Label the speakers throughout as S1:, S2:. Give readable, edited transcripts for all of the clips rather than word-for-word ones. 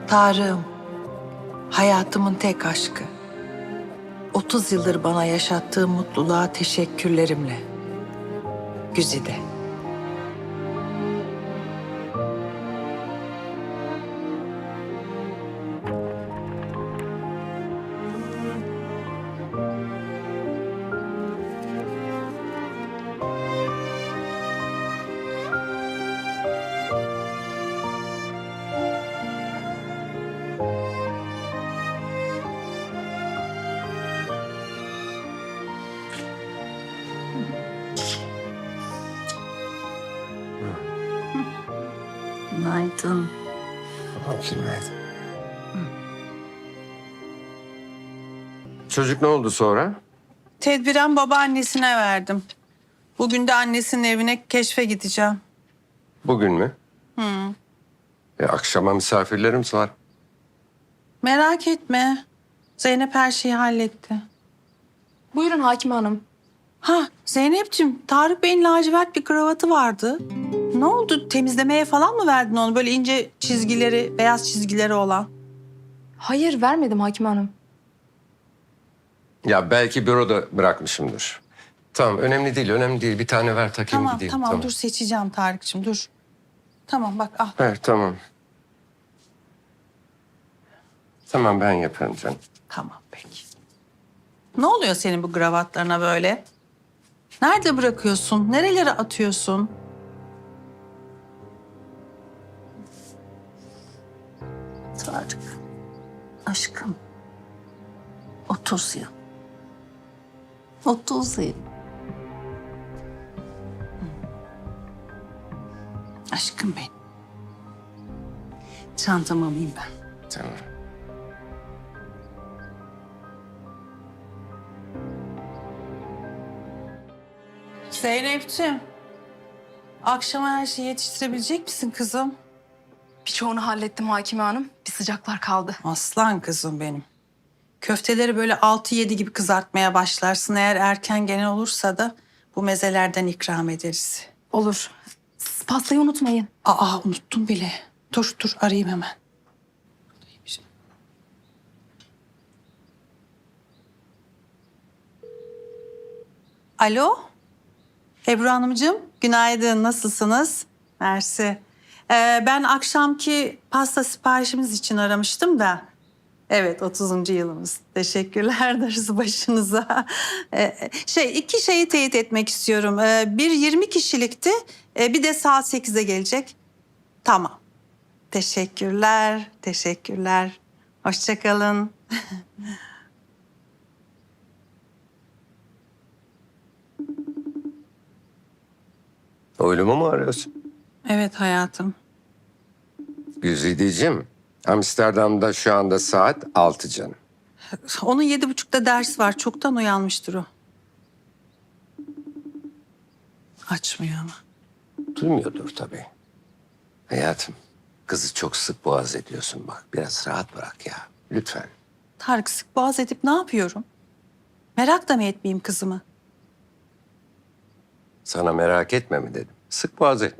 S1: Tarığım, hayatımın tek aşkı. 30 yıldır bana yaşattığı mutluluğa teşekkürlerimle. Güzide. Günaydın.
S2: Günaydın. Çocuk ne oldu sonra?
S1: Tedbiren babaannesine verdim. Bugün de annesinin evine keşfe gideceğim.
S2: Bugün mü? Akşama misafirlerimiz var.
S1: Merak etme. Zeynep her şeyi halletti.
S3: Buyurun Hakime Hanım.
S1: Ha Zeynep'ciğim, Tarık Bey'in lacivert bir kravatı vardı. Ne oldu? Temizlemeye falan mı verdin onu? Böyle ince çizgileri, beyaz çizgileri olan.
S3: Hayır vermedim Hakime Hanım.
S2: Ya belki büroda bırakmışımdır. Tamam, önemli değil, önemli değil. Bir tane ver takayım
S1: Tamam,
S2: gideyim.
S1: tamam, dur seçeceğim Tarık'cığım, dur. Tamam bak al.
S2: Ver, tamam. Tamam, ben yaparım canım.
S1: Tamam peki. Ne oluyor senin bu kravatlarına böyle? Nerede bırakıyorsun? Nerelere atıyorsun? Tarık, aşkım. 30 yıl. 30 yıl. Aşkım benim. Çantamı alayım ben.
S2: Tamam.
S1: Zeynep'ciğim. Akşama her şeyi yetiştirebilecek misin kızım?
S3: Birçoğunu hallettim Hakime Hanım. Bir sıcaklar kaldı.
S1: Aslan kızım benim. Köfteleri böyle 6-7 gibi kızartmaya başlarsın. Eğer erken gene olursa da bu mezelerden ikram ederiz.
S3: Olur. Siz pastayı unutmayın.
S1: Aa unuttum bile. Dur arayayım hemen. Alo. Ebru Hanımcığım, günaydın. Nasılsınız? Mersi. Ben akşamki pasta siparişimiz için aramıştım da. Evet, 30. yılımız. Teşekkürler darısı başınıza. İki şeyi teyit etmek istiyorum. Bir 20 kişilikti, bir de saat 8'e gelecek. Tamam. Teşekkürler, teşekkürler. Hoşça kalın.
S2: Oylumu mu arıyorsun?
S1: Evet hayatım.
S2: Güzideciğim, Amsterdam'da şu anda saat 6 canım.
S1: Onun 7.30'da ders var. Çoktan uyanmıştır o. Açmıyor ama.
S2: Duymuyordur tabii. Hayatım, kızı çok sık boğaz ediyorsun bak. Biraz rahat bırak ya, lütfen.
S1: Tarık sık boğaz edip ne yapıyorum? Merak da mı etmeyeyim kızımı?
S2: Sana merak etme mi dedim. Sık boğaz etme.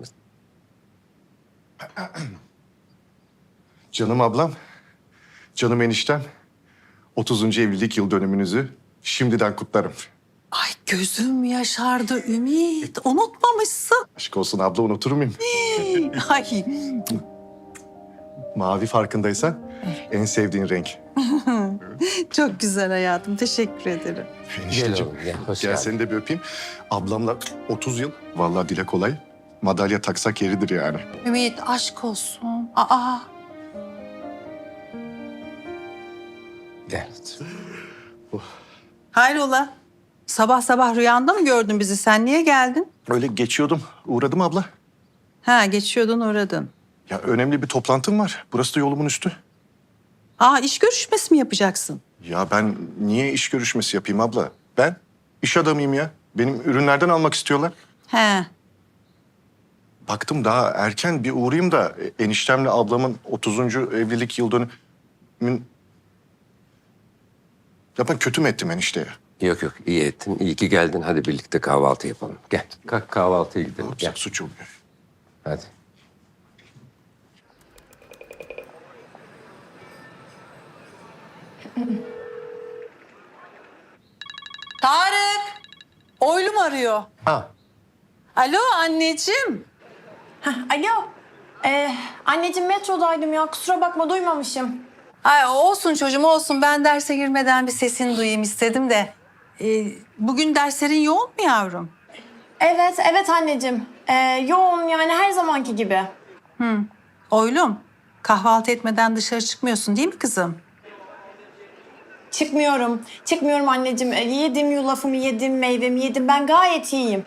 S4: Canım ablam, canım eniştem, 30. evlilik yıl dönümünüzü şimdiden kutlarım.
S1: Ay gözüm yaşardı Ümit. Unutmamışsın.
S4: Aşk olsun abla, unutur muyum?
S1: Ay
S4: Mavi farkındaysan en sevdiğin renk.
S1: çok güzel hayatım. Teşekkür ederim.
S4: Enişteciğim,
S2: oğlum, gel. Hoş
S4: gel
S2: geldin.
S4: seni de bir öpeyim. Ablamla 30 yıl, vallahi dile kolay. Madalya taksak yeridir yani.
S1: Ümit aşk olsun. Aa
S2: Gel.
S1: hayrola? Sabah sabah rüyanda mı gördün bizi? Sen niye geldin?
S4: Öyle geçiyordum, uğradım abla.
S1: Ha geçiyordun uğradın.
S4: Ya önemli bir toplantım var. Burası da yolumun üstü.
S1: Aa iş görüşmesi mi yapacaksın?
S4: Ya ben niye iş görüşmesi yapayım abla? Ben iş adamıyım ya. Benim ürünlerden almak istiyorlar.
S1: He.
S4: Baktım daha erken bir uğrayayım da eniştemle ablamın 30. evlilik yıl dönümün... Ya ben kötü mü ettim enişteye?
S2: Yok iyi ettin. İyi ki geldin. Hadi birlikte kahvaltı yapalım. Gel. Kalk kahvaltıya gidelim. Gel.
S4: Yapsak suç oluyor.
S2: Hadi.
S1: Tarık! Oylum arıyor.
S2: Ha.
S1: Alo anneciğim.
S5: Alo. Anneciğim metrodaydım ya. Kusura bakma duymamışım.
S1: Ay, olsun çocuğum olsun. Ben derse girmeden bir sesini duyayım istedim de. Bugün derslerin yoğun mu yavrum?
S5: Evet anneciğim. Yoğun yani her zamanki gibi.
S1: Oylum, kahvaltı etmeden dışarı çıkmıyorsun değil mi kızım?
S5: Çıkmıyorum anneciğim. Yedim yulafımı yedim, meyvemi yedim. Ben gayet iyiyim.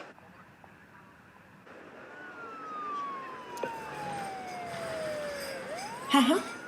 S5: Hı hı.